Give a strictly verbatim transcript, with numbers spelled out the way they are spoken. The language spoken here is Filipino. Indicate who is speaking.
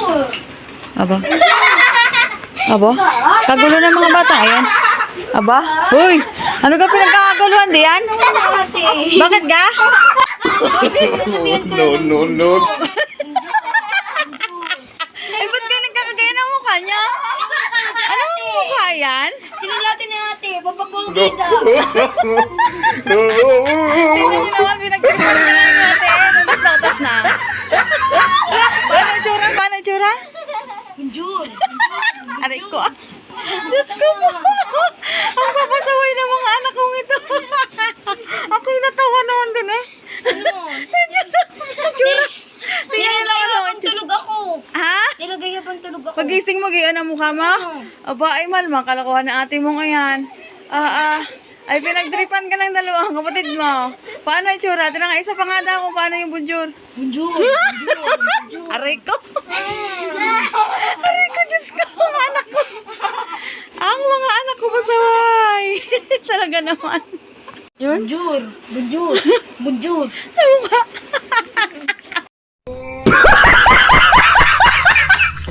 Speaker 1: Aba. Aba? Kagulo ng mga bata, ayan. Aba? Uy! Ano ka pinagkakaguluhan diyan? Bakit ga?
Speaker 2: No, no, no.
Speaker 1: Eh, ba't ka nagkakagaya ng mukha niya? Ano ang mukha yan?
Speaker 3: Sinulatin na ate,
Speaker 2: No.
Speaker 3: papapugid ah.
Speaker 1: Tingnan niyo naman, pinagkakagaya ng ate. Natas na, na. Paano yung tsura? Paano yung tsura?
Speaker 3: Bonjour.
Speaker 1: Aray ko. Diyos ko po. Ang papasaway ng mga anak kong ito. Ako'y natawa naman din eh.
Speaker 3: Ano?
Speaker 1: Tsura. Tingnan niyo naman
Speaker 3: Nilagay
Speaker 1: ako.
Speaker 3: pang tulog ako.
Speaker 1: Ha?
Speaker 3: Nilagay pang tulog ako.
Speaker 1: Pagising mo, gayon ang mukha mo? Aba, ay malma, kalakuhan na ate mo ngayon. Ah, ah. Ay, pinagtripan ka ng dalawang kapatid mo. Paano yung tsura? Ito na nga, isa pa nga daw kung paano yung bonjour.
Speaker 3: Bonjour.
Speaker 1: Aray ko. Aray ko, Diyos ko, mga anak ko. Ang mga anak ko pasaway. Talaga naman. Yun?
Speaker 3: Bonjour. Bonjour. Bonjour.
Speaker 1: Namukha.